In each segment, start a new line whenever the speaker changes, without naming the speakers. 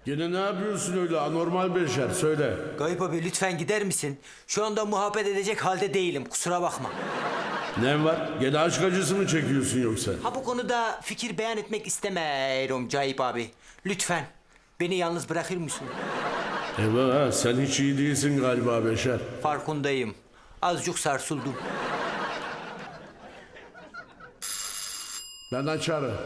Gene ne yapıyorsun öyle anormal Beşer söyle.
Gayip abi lütfen gider misin? Şu anda muhabbet edecek halde değilim, kusura bakma.
Ne var? Gene aşk acısı mı çekiyorsun yoksa?
Ha bu konuda fikir beyan etmek istemiyorum Gayip abi. Lütfen beni yalnız bırakır mısın?
Eyvah sen hiç iyi değilsin galiba Beşer.
Farkındayım. Azıcık sarsıldım.
Ben açarım.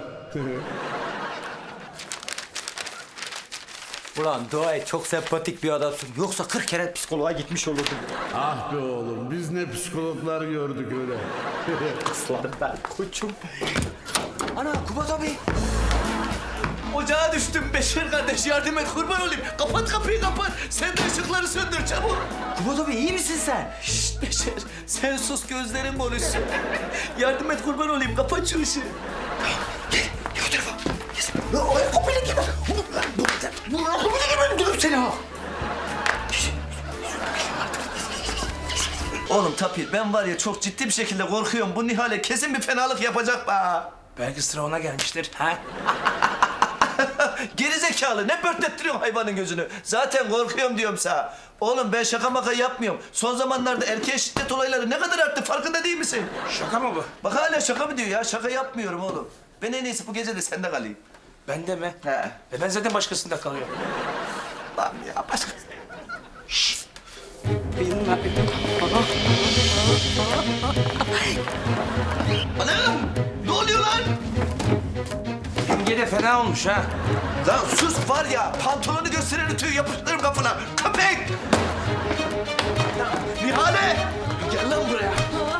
Ulan dua et, çok sempatik bir adamsın. Yoksa 40 kere psikoloğa gitmiş olurdum.
Ah be oğlum biz ne psikologlar gördük öyle.
Aslanım ben koçum. Ana Kubat abi. Ocağa düştüm Beşir kardeş, yardım et kurban olayım. Kapat kapıyı kapat. Sen de ışıkları söndür çabuk. Kubat abi iyi misin sen? Şşt Beşir sen sus, gözlerin konuşsun. Yardım et kurban olayım, kapat şu ışığı. Gel o tarafa. Gel. Kapıyla gel. Öldürürüm seni ha.
Oğlum Tapir ben var ya çok ciddi bir şekilde korkuyorum. Bu Nihal'e kesin bir fenalık yapacak be.
Belki sıra ona gelmiştir. Ha?
Gerizekalı ne pörtlettiriyorsun hayvanın gözünü? Zaten korkuyorum diyorum sana. Oğlum ben şaka maka yapmıyorum. Son zamanlarda erkeğe şiddet olayları ne kadar arttı farkında değil misin?
Şaka mı bu?
Bak hala şaka mı diyor ya? Şaka yapmıyorum oğlum. Ben en iyisi bu gece de sende kalayım.
Ben de mi?
He.
Ben zaten başkasında kalıyorum.
Lan ya başka... Anam! Ne oluyor lan?
Yenge de fena olmuş ha.
Lan sus var ya, pantolonu gösteren tüyü yapıştırırım kafana. Köpek! Nihale! Gel lan buraya.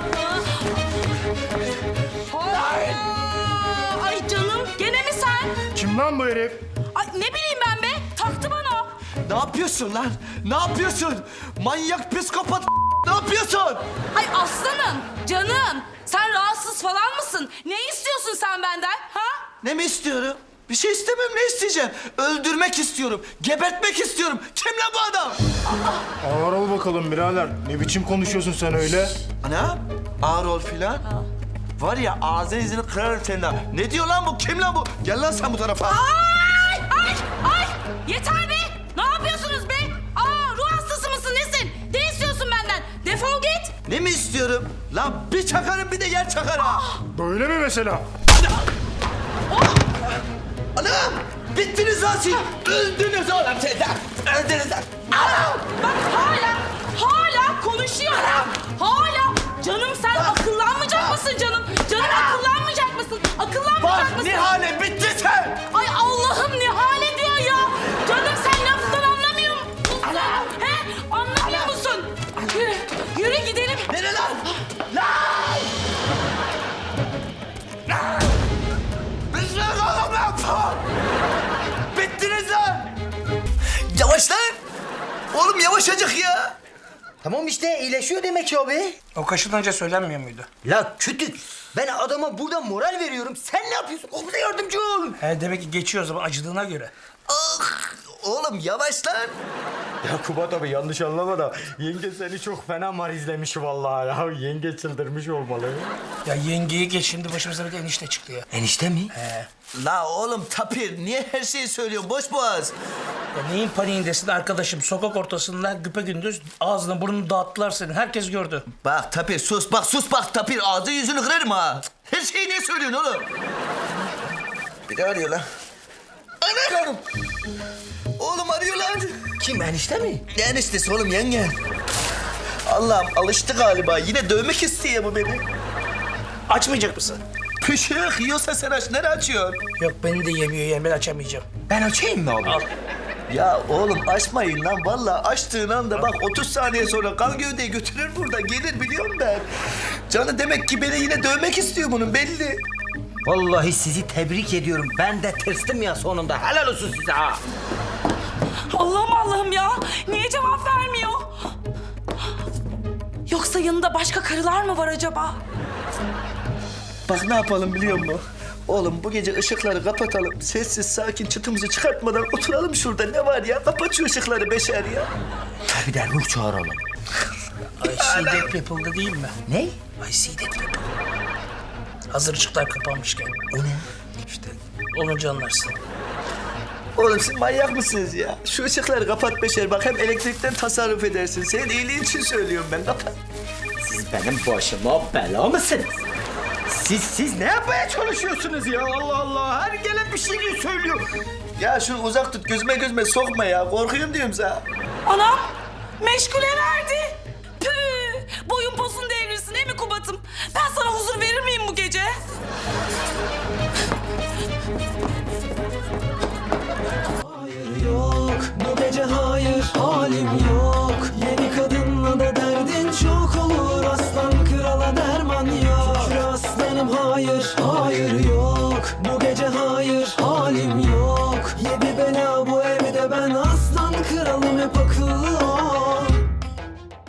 Ay canım gene mi sen?
Kim lan bu herif?
Ay ne bileyim ben be, taktı bana.
Ne yapıyorsun lan? Ne yapıyorsun? Manyak psikopat ne yapıyorsun?
Ay aslanım, canım. Sen rahatsız falan mısın? Ne istiyorsun sen benden? Ha?
Ne mi istiyorum? Bir şey istemem, ne isteyeceğim? Öldürmek istiyorum, gebertmek istiyorum. Kim lan bu adam?
Ağır ol bakalım birader. Ne biçim konuşuyorsun sen öyle?
Ana, ağır ol filan. Var ya ağzını izini kırarım senin ha. Ne diyor lan bu? Kim lan bu? Gel lan sen bu tarafa.
Ay, ay, ay! Yeter be! Ne yapıyorsunuz be? Aa, ruh hastası mısın, nesin? Ne istiyorsun benden? Defol git!
Ne mi istiyorum? Lan bir çakarım bir de yer çakar ha.
Böyle mi mesela?
Anam! Bittiniz lan siz! Öldünüz oğlum siz lan! Öldünüz lan!
Bak hala konuşuyor. Hala. Canım sen akıllanmayacak mısın canım? Canım akıllanmayacak mısın? Akıllanmayacak
Bak
mısın?
Nihale bitti sen!
Ay Allah'ım Nihale diyor ya. Canım sen lafından anlamıyor musun? He? Anlamıyor musun? Yürü, yürü gidelim.
Nere lan? Lan! Lan! Bırak oğlum lan! Bittiniz lan! Yavaş lan! Oğlum yavaşacık ya!
Tamam işte iyileşiyor demek ki abi.
O kaşınınca söylenmiyor muydu?
La kütük, ben adama burada moral veriyorum. Sen ne yapıyorsun? O bize yardımcı ol.
He demek ki geçiyor o zaman acıdığına göre.
Ah! Oğlum yavaş lan!
Ya Kubat abi yanlış anlama da yenge seni çok fena marizlemiş vallahi ya. Yenge çıldırmış olmalı.
Ya yengeyi geç, şimdi başımıza bir de enişte çıktı ya.
Enişte mi?
La oğlum Tapir niye her şeyi söylüyorsun boş boğaz?
Ya neyin paniğindesin arkadaşım? Sokak ortasında güpegündüz ağzını burnunu dağıttılar senin. Herkes gördü.
Bak Tapir sus bak Tapir ağzı yüzünü kırarım ha. Her şeyi niye söylüyorsun oğlum? Bir de arıyor lan. Anam! Oğlum arıyor lan.
Kim, enişte mi?
Ne eniştesi oğlum yenge? Allah'ım alıştı galiba. Yine dövmek istiyor bu beni.
Açmayacak mısın?
Pışık yiyorsa sen aç. Nereye açıyorsun?
Yok beni de yemiyor yani, ben açamayacağım.
Ben açayım mı oğlum?
Al.
Ya oğlum açmayın lan. Vallahi açtığın anda bak 30 saniye sonra kan gövdeyi götürür burada. Gelir biliyorum ben. Canı demek ki beni yine dövmek istiyor bunun belli.
Vallahi sizi tebrik ediyorum. Ben de tırsdım ya sonunda. Helal olsun size ha.
Allah'ım ya. Niye cevap vermiyor? Yoksa yanında başka karılar mı var acaba?
Bak ne yapalım biliyor musun? Oğlum bu gece ışıkları kapatalım. Sessiz sakin çıtımızı çıkartmadan oturalım şurada. Ne var ya? Kapat şu ışıkları Beşer ya.
Bir de ruh çağıralım.
I see dead people'da değil mi?
Ne?
I see dead people. Hazır ışıklar kapanmışken.
O ne?
İşte olunca anlarsın.
Oğlum siz manyak mısınız ya? Şu ışıkları kapat Beşer bak hem elektrikten tasarruf edersin. Senin iyiliğin için söylüyorum ben kapat.
Siz benim başıma bela mısınız? Siz ne yapmaya çalışıyorsunuz ya? Allah Allah. Her gelen bir şey söylüyor.
Ya şunu uzak tut gözüme sokma ya. Korkuyorum diyorum sana.
Anam meşgule verdi. Püh, boyun posun devrilsin değil mi Kubat'ım? Ben sana